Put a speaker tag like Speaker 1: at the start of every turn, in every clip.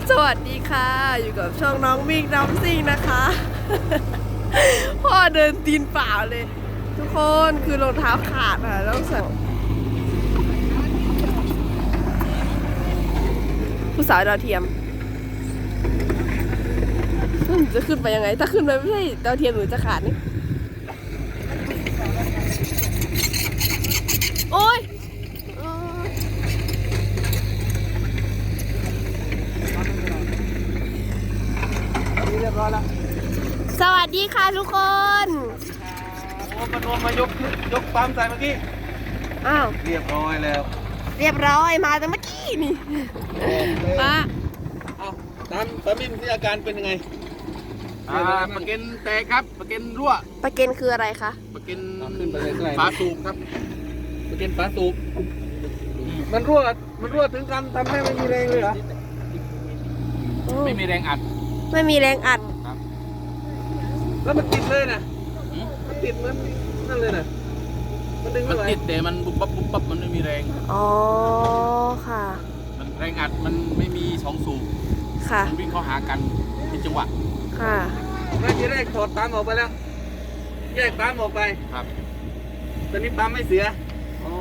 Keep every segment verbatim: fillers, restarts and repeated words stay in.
Speaker 1: สวัสดีค่ะอยู่กับช่องน้องวิ่งน้ำซิ่งนะคะ พ่อเดินตีนเปล่าเลย ทุกคนคือรองเท้าขาดค่ะต้องสั่งผู้สาวดาวเทียมจะขึ้นไปยังไงถ้าขึ้นไปไม่ใช่ดาวเทียมหรือจะขาดนี่โอ๊ยสวัสดีค่ะทุกคน
Speaker 2: โอ้มันรวมมายกยกปั๊มใส่เมื่อกี้
Speaker 1: อ้าว
Speaker 2: เรียบร้อยแล้ว
Speaker 1: เรียบร้อยมาแต่เมื่อกี้นี่มา
Speaker 2: เอาตามตามินที่อาการเป็นยังไงอ่าปะเก็นแตกครับปะเก็นรั่ว
Speaker 1: ปะเก็นคืออะไรคะ
Speaker 2: ปะเก็นฝาสูบครับปะเก็นฝาสูบมันรั่วมันรั่วถึงกันทำให้ไม่มีแรงเลยเหรอไม่มีแรงอัด
Speaker 1: ไม่มีแรงอัด
Speaker 2: แล้วมันติดเลยนะมันติดมันนั่นเลยนะมันดึงไม่ไหวมันติดแต่มันบุบบับบุบบับมันไม่มีแรง
Speaker 1: อ๋อค่ะ
Speaker 2: มันแรงอัดมันไม่มีสองสูบ
Speaker 1: ค่ะ
Speaker 2: มันวิ่งเข้าหากันเป็นจังหวะ
Speaker 1: ค่ะ
Speaker 2: แรกที่แรกถอดปั๊มออกไปแล้วแยกปั๊มออกไปครับตอนนี้ปั๊มไม่เสียอ๋อ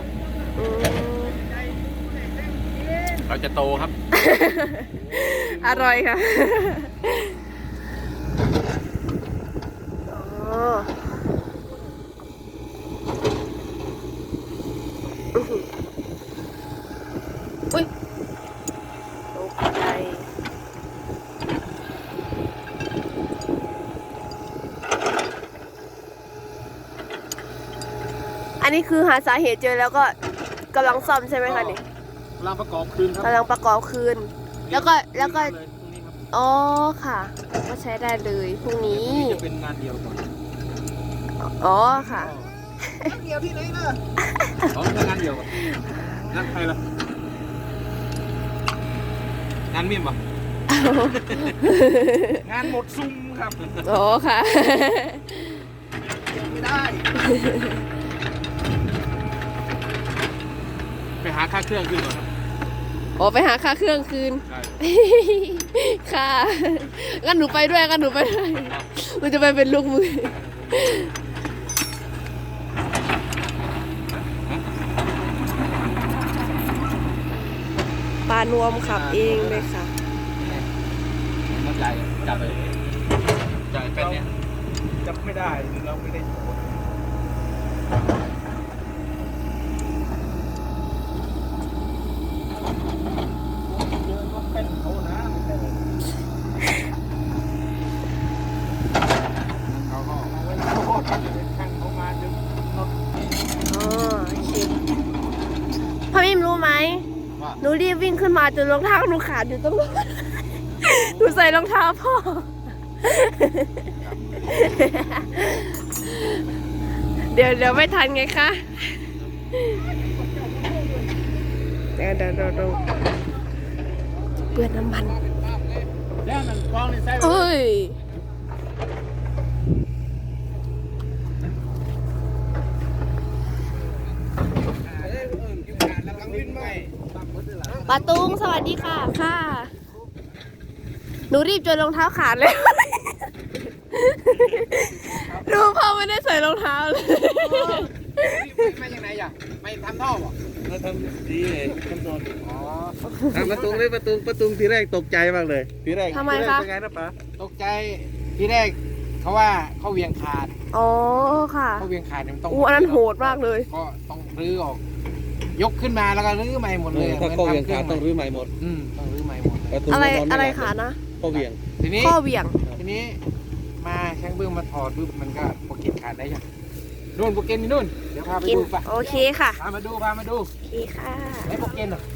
Speaker 2: เราจะโตครับ
Speaker 1: อร่อยค่ะอุ้ยตกใจอันนี้คือหาสาเหตุเจอแล้วก็กำลังซ่อมใช่ไหมคะนี่
Speaker 2: กำลังประกอบคืนครับ
Speaker 1: กำลังประกอบคืนแล้วก็แล้วก็อ๋อค่ะก็ใช้ได้เลยพรุ่งนี้
Speaker 2: จะเป็นงานเดียวก่อน
Speaker 1: อ๋อค่ะ
Speaker 2: งานเดียวที่ไหนล่ะอ๋อเป็นงานเดียวก่อนงานใครล่ะงานมีมปะงานหมดซุ่มครับ
Speaker 1: อ๋อค่ะ
Speaker 2: ยังไม่ได้ไปหาค่าเครื่องคืนก่อนครับ
Speaker 1: โอ้ไปหาค่าเครื่องคืนค่ะงั้นหนูไปด้วยงั้นหนูไปด้วยหนูจะไปเป็นลูกมือปานวมขับเองเลยค่ะ
Speaker 2: นักใหญ่จับไปจับเป็นเนี่ยจับไม่ได้เราไม่ได้
Speaker 1: พ่อมิมรู้ไหมหนูรีบวิ่งขึ้นมาจนรองเท้าหนูขาดอยู่ตรงนั้นหนูใส่รองเท้าพ่อเดี๋ยวเดี๋ยวไม่ทันไงคะเดี๋ยวเดี๋ยวเดี๋ยวเปื้อนน้ำมันเอ้ยปาตุงสวัสดีค่ะค่ะหนูรีบจนรองเท้าขาดเลยดูพ่อไม่ได้ใส่รองเท้าเลย
Speaker 2: ไม่ยังไงอ่ะไม่ทำท่อหรอไม่ทำดีเลยทำโดนอ๋อประตูเลยประตูประตูทีแรกตกใจมากเลยทีแรก
Speaker 1: ทำไมคะ
Speaker 2: เป็นไงนะป๋าตกใจทีแรกเขาว่าเขาเวียงขาด
Speaker 1: อ๋อค่ะ
Speaker 2: เขาเวียงขาดเนี่ยมันต้อง
Speaker 1: อู้อันนั้นโหดมากเลย
Speaker 2: ก็ต้องรื้อออกยกขึ้นมาแล้วก็รื้อใหม่หมดเลยถ้าข้อเวียงขาดต้องรื้อใหม่หมดอืมต้องรื้อใหม่หมด
Speaker 1: อะไรอะไรขาดนะ
Speaker 2: ข้อเวียงทีนี้
Speaker 1: ข้อเวียง
Speaker 2: ทีนี้มาแข้งเบื้องมาถอดปุ๊บมันก็โปรเกตขาดได้ยังนู่นโปรเกตนี่นู่นเดี๋ยวพาไปดูป่ะ
Speaker 1: โอเคค่ะ
Speaker 2: พามาดูพามาดู
Speaker 1: โอเคค่ะ
Speaker 2: ไอ้โปรเกตเหรอ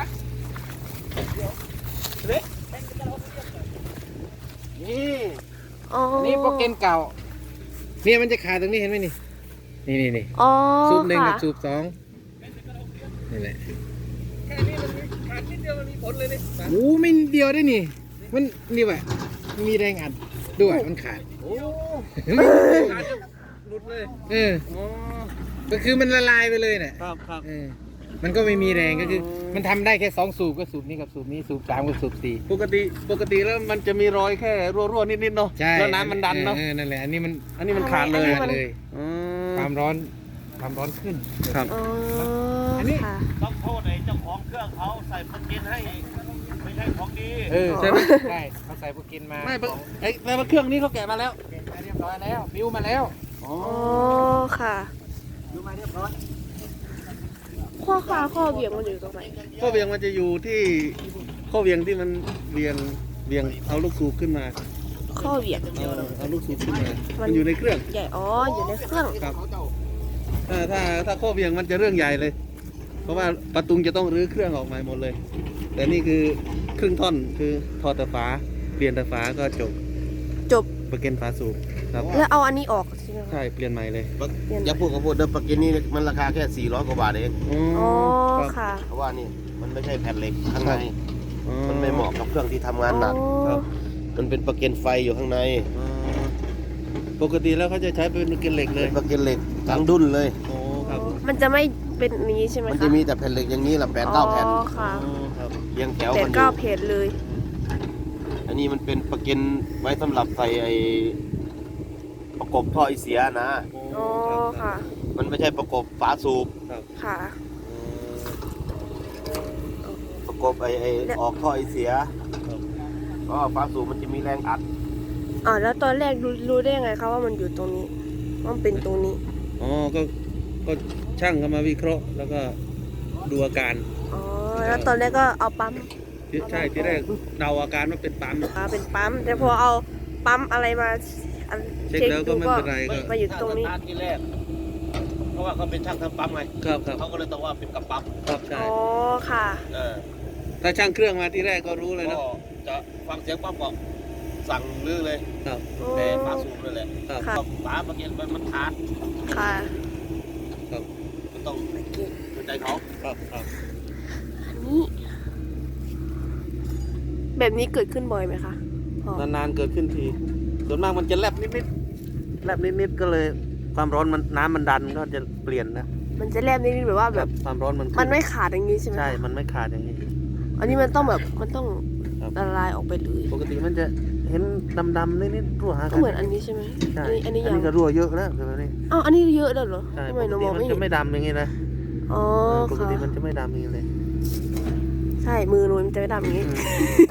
Speaker 2: นี่นี่โปรเกตเก่าเนี่ยมันจะขาดตรงนี้เห็นไหมนี่นี่นี่นี่สูบหนึ่งกับสูบสองนี่แหละแค่นี้มันขาดนิดเดียวมันมีผลเลยนี่โอ้ไม่เดียวได้นี่มันนี่ว่ะมันมีแรงอัดด้วยมันขาดโอ้ขาดจะหลุดเลยเออก็คือมันละลายไปเลยเนี่ยครับครับมันก็ไม่มีแรงก็คือ มันทำได้แค่สองสูบก็สูบนี้กับสูบนี้สูบสามกับสูบสี่
Speaker 3: ปกติปกติแล้วมันจะมีรอยแค่รั่วๆนิดๆเนาะ
Speaker 2: ใช่
Speaker 3: แล้วน้ำมันดันเนาะ
Speaker 2: ออนั่นแหละอันนี้มัน
Speaker 3: อันนี้มันขาดเลย
Speaker 2: ขาดเลย
Speaker 3: อืม
Speaker 2: ความร้อนความร้อนขึ้น
Speaker 3: ครับ
Speaker 1: อ๋อ
Speaker 2: อันนี้
Speaker 1: ค่ะ
Speaker 4: ต้องโทษไอ้เจ้าของเครื่องเขาใส่พันกินให้ ไม่ใช่ของดี
Speaker 2: เออ
Speaker 1: อ๋อ
Speaker 2: ใช่ไหมใช่เขาใส่พวกกินมา
Speaker 3: ไม่
Speaker 2: ของ
Speaker 3: ไอ้แต่ว่าเครื่องนี้เขาแกะมาแล้ว
Speaker 2: เปลี่ยนมาเรียบร้อยแล้วบิวมาแล้ว
Speaker 3: อ๋อ
Speaker 1: อ๋อค่ะ
Speaker 2: บิวมาเรียบร้อย
Speaker 1: ข้อขาข้อเบี่ยงมันอยู่ตรงไหน
Speaker 3: ข้อเวียงมันจะอยู่ที่ข้อเวียงที่มันเวียงเวียงเอาลูกสูบขึ้นมา
Speaker 1: ข้อเบี่ยง
Speaker 3: เอาเอาลูกสูบขึ้นมา
Speaker 1: มั
Speaker 3: มัน นอยู่ในเครื่อง
Speaker 1: ใหญ่อ๋ออยู่ในเครื่อง
Speaker 3: ครับถ้าถ้าถ้าข้อเวียงมันจะเรื่องใหญ่เลย เพราะว่าประตุงจะต้องรื้อเครื่องออกมาหมดเลย แต่นี่คือครึ่งท่อนคือทอดแต่ฝาเปลี่ยนแต่ฝาก็จบ
Speaker 1: จบ
Speaker 3: ประเก็นฝาสูบครับ
Speaker 1: แล้วเอาอันนี้ออกใช่ไหมคะ
Speaker 3: ใช่เปลี่ยนใหม่เลย
Speaker 1: เปลี่ยน
Speaker 4: อย่าพูดกับพูดเดิมปากกินนี่มันราคาแค่สี่ร้อยกว่าบาทเอง
Speaker 1: อ๋อ
Speaker 3: ครับ
Speaker 1: ค่ะ
Speaker 4: เพราะว่านี่มันไม่ใช่แผ่นเหล็กข้างใน
Speaker 3: อ๋อ
Speaker 4: มันไม่เหมาะกับเครื่องที่ทำงานหนัก
Speaker 1: อ๋อ
Speaker 3: ครับ
Speaker 4: มันเป็นปากเกนไฟอยู่ข้างใน
Speaker 3: อ๋อปกติแล้วเขาจะใช้เป็นประเก็นเหล็กเล
Speaker 4: เป็
Speaker 3: ย
Speaker 4: นปากเกนเหล็กทั้งดุนเลย
Speaker 3: โอ้ครับ
Speaker 1: มันจะไม่เป็นอย่างนี้ใช่ไหมคะ
Speaker 4: มันจะมีแต่แผ่นเหล็กอย่างนี้แหละแปดเก้าแผ่น
Speaker 1: อ๋อค่ะ
Speaker 3: อ๋อครับ
Speaker 4: เรียงแถว
Speaker 1: แป
Speaker 4: กั
Speaker 1: ด
Speaker 4: นอ
Speaker 1: เก้า
Speaker 4: ยู่
Speaker 1: เพจเลย
Speaker 4: อันนี้มันเป็นปากเกนไว้สำหรับใส่ไอ้ประกบท่อไอเสียนะ
Speaker 1: อ๋อค่ะ
Speaker 4: มันไม่ใช่ประกบฝาสูบ
Speaker 1: ค่ะ
Speaker 4: ประกบไอ้ไอ้ออกท่อไอเสียก็ฝาสูบมันจะมีแรงอัด
Speaker 1: อ๋อแล้วตอนแรกรู้รู้ได้ยังไงคะว่ามันอยู่ตรงนี้ว่ามันเป็นตรงนี้
Speaker 3: อ๋อก็ก็ช่างเขามาวิเคราะห์ แล้วก็ดูอาการ
Speaker 1: อ๋อแล้วตอนแรกก็เอาปั๊ม
Speaker 3: ใช่ที่แรกเดาอาการว่าเป็นปั๊ม
Speaker 1: อ่าเป็นปั๊มแต่พอเอาปั๊มอะไรมาอัน
Speaker 3: เช็คแล้วก็ไม่เป็นไรก็
Speaker 1: มาอยู่ตรงนี้
Speaker 4: ช่าสตาทที่แรก เพราะว่าเขาเป็นช่างทำปั๊มไง
Speaker 3: ครับครับ
Speaker 4: เขาก็เลยต้องว่าเป็นกับปั๊ม
Speaker 3: ครับใช่
Speaker 1: อ๋อค่ะ
Speaker 4: เออ
Speaker 3: ถ้าช่างเครื่องมาที่แรกก็รู้เลย
Speaker 4: ก็
Speaker 3: นะ
Speaker 4: จะฟังเสียงปั๊มก็สั่งลื้อเลย
Speaker 3: ครับ
Speaker 4: แต่ฝาสูบนั่นแหละ
Speaker 3: ครับ
Speaker 1: ค่ะ
Speaker 4: ก็ฝาเมื่อกี้มันมันขาด
Speaker 1: ค่ะ
Speaker 3: ครับ
Speaker 4: มันต้องเข้าใจเขา
Speaker 3: ครับครับ
Speaker 1: อันนี้ แบบนี้เกิดขึ้นบ่อยไหมคะอ๋อน
Speaker 3: านๆเกิดขึ้นที ส่วนมากมันจะแลบนิดๆแลบนิดๆก็เลยความร้อนมันน้ำมันดันก็จะเปลี่ยนนะ
Speaker 1: มันจะแลบนิดนึงแบบว่าแบบ
Speaker 3: ความร้อนมันขึ้
Speaker 1: มันไม่ขาดอย่างนี้ใช่ไหมคะ
Speaker 3: ใช่ มันไม่ขาดอย่างนี้
Speaker 1: อันนี้มันต้องแบบมันต้อง
Speaker 3: ครับ
Speaker 1: ละลายออกไปเลย
Speaker 3: ปกติมันจะเห็นดำๆนิดๆรั่วหา
Speaker 1: ก็
Speaker 3: กัน
Speaker 1: เหมือนอันนี้ใช่ไหม
Speaker 3: ใช่
Speaker 1: อันนี้อันนี้
Speaker 3: อัน
Speaker 1: ยัง
Speaker 3: นี้ก็รั่วเยอะแล้วแบบนี้
Speaker 1: อ้าวอันนี้เยอะแล้วเหรอ
Speaker 3: ใช่
Speaker 1: ทำ
Speaker 3: ป
Speaker 1: ไม
Speaker 3: ก
Speaker 1: หนู
Speaker 3: ติ
Speaker 1: มอง
Speaker 3: มัน
Speaker 1: ไม่
Speaker 3: จะ
Speaker 1: เห็น
Speaker 3: ไม่ดำอย่างนี้นะ
Speaker 1: อ๋อ
Speaker 3: เออปก
Speaker 1: ค่ะ
Speaker 3: ติมันจะไม่ดำอย่างนี้เลย
Speaker 1: ใช่มือหนูมันจะไม่ดำอย่างนี้
Speaker 3: อืม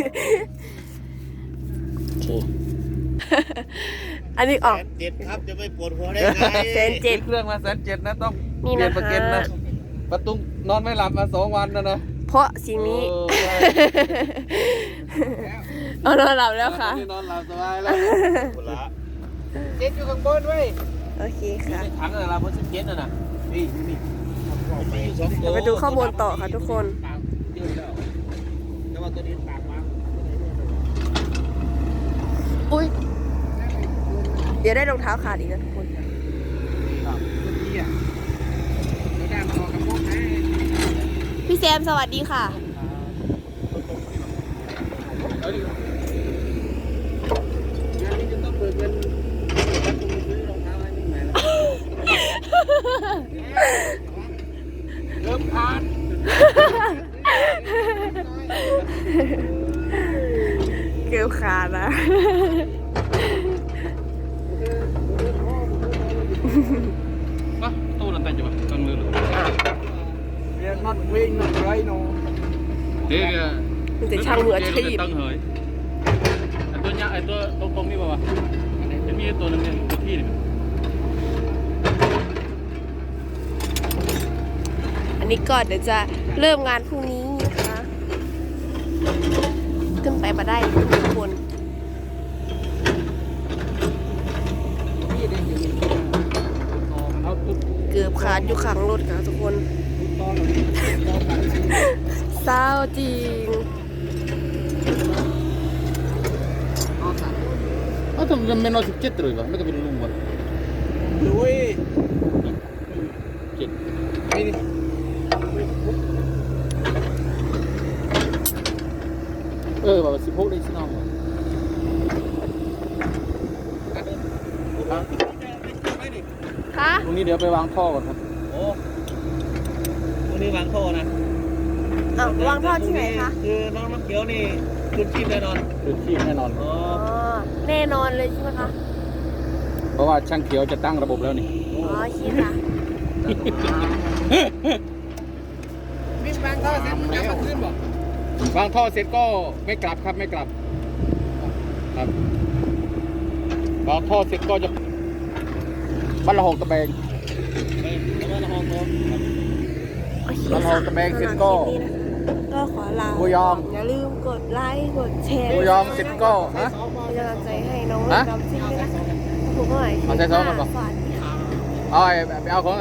Speaker 1: โอเค อันนี้ออก
Speaker 4: เจ็ดครับจะไม่ปวดหัวได้ไง
Speaker 1: เซนเจ็ด
Speaker 3: เครื่องมาแสนเจ็ดนะต้อง
Speaker 1: นี่
Speaker 3: เปลี่ย
Speaker 1: นะ
Speaker 3: นประ
Speaker 1: คะ
Speaker 3: เก็นนะประตุงนอนไม่หลับมาสองวันแล้วนะ
Speaker 1: เพราะสิ่งนี้
Speaker 3: โอ้ใช่
Speaker 1: เอานอนหลับแล้วค่ะ
Speaker 3: นอนหลับสบายแล้ว
Speaker 4: คนละ
Speaker 3: เจ็ดอยู่ข้างบนเว้ย
Speaker 1: โอเคค่ะ
Speaker 4: ในถังอะไรเพราะสิบเจ็ดน่ะนะนี่นี่มีอยู่สองตั
Speaker 1: เดี๋ยว
Speaker 4: ว
Speaker 1: ไปดูข้อมูลต่อค่ะทุกคน
Speaker 4: ยืดแล้วแต่ว่าตัวนี้ปากมา
Speaker 1: อุ้ย เดี๋ยวได้รองเท้าขาดอีกนะทุกคน พี่แซมสวัสดีค่ะ
Speaker 3: งานนี้จะต้องเบิกเงินแล้วคุณซื้อรองเท้าให้นี่ใหม่แล้วเริ่มขาด
Speaker 1: เกลียวขาดนะ
Speaker 3: Hah, tuh nanti coba kan dulu. Dia not wing not right no. Dia
Speaker 1: มันจะช่างมืออาชีพ
Speaker 3: ตั้งเหยไอตัวเนี้ยไอตัวตรงๆนี่ป่าวะจะมีตัวนึงเนี่ยตัวที่นี่
Speaker 1: อันนี้ก็เดี๋ยวจะเริ่มงานพรุ่งนี้นะคะ ขึ้นไปมาได้ทุกคน
Speaker 3: เอาตุ๊บ
Speaker 1: เกือบขาดอยู่ขังรถค่ะทุกคนเศร้าจริง
Speaker 3: Oh, tu menor sikit terus bang. Mereka perlu lumbar. Dua. Sikit. Ini. Eh, bawa si Pok di sini nama.
Speaker 1: คะ
Speaker 3: ตรงนี้เดี๋ยวไปวางท่อก่อนครับ
Speaker 4: โอ้
Speaker 3: วันนี้วางท่อนะ
Speaker 1: อ่ะวางท่อที่ไหนคะ
Speaker 3: คือน้องน้ำเขียวนี่คืนชีพแน่นอน
Speaker 2: คือชีพแน่นอน
Speaker 3: อ๋อ
Speaker 1: อ๋อแน่นอนเลยใช่ไหมคะ
Speaker 2: เพราะว่าช่างเขียวจะตั้งระบบแล้วนี่
Speaker 1: อ๋อคิดอ่ะ
Speaker 2: วิ่งบางท่อเสร็จมันจะมาขึ้นบอกบางท่อเสร็จก็ไม่กลับครับไม่กลับครับบางท่อเสร็จก็จะบ้านละหกตะแบง
Speaker 3: ไปแล้วก็ละห้องโน้น
Speaker 1: โอเค
Speaker 2: แล้วเรา
Speaker 1: ค่ะ
Speaker 2: จะแบ่งเสร็จก็
Speaker 1: สำหรับคลิปนี้นะคะก็ขอลา
Speaker 2: กูยอม
Speaker 1: อย่าลืมกดไลค์กดแชร์
Speaker 2: กูยอมเสร็จก็ฮะ
Speaker 1: เป็นกำลังใจให้น้อง
Speaker 2: ฮะ
Speaker 1: ดำซิ่งด้วยนะคะขอบคุณมาก
Speaker 2: เอาใส่ซองก่อน
Speaker 1: ส
Speaker 2: ป่ะ
Speaker 1: วัสดีค่ะ
Speaker 2: เอาไปเอาของ